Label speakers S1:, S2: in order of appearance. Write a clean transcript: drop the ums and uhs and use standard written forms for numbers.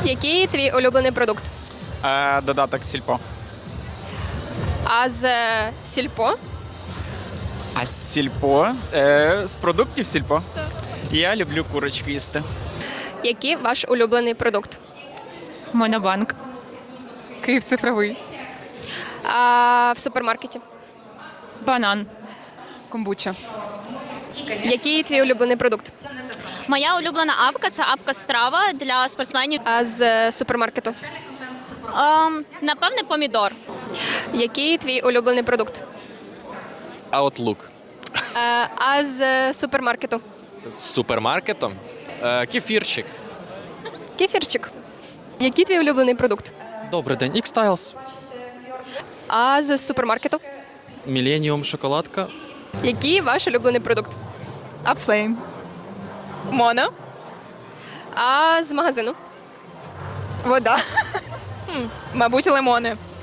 S1: Який твій улюблений продукт?
S2: Додаток сільпо.
S1: А з сільпо?
S2: А з сільпо? З продуктів сільпо? Так. Я люблю курочку їсти.
S1: Який ваш улюблений продукт?
S3: Монобанк. Київ цифровий.
S1: А в супермаркеті?
S3: Банан.
S4: Комбуча.
S1: Який твій улюблений продукт?
S5: Моя улюблена апка це апка страва для спортсменів.
S1: А з супермаркету?
S5: Напевне, помідор.
S1: Який твій улюблений продукт?
S6: Outlook.
S1: А з супермаркету?
S6: З супермаркетом. Кефірчик.
S1: Кефірчик. Який твій улюблений продукт?
S7: Добрий день. X-Styles.
S1: А з супермаркету?
S7: Millennium шоколадка.
S1: Який ваш улюблений продукт?
S4: Апфлейм. Моно.
S1: А з магазину?
S4: Вода. Мабуть, лимони.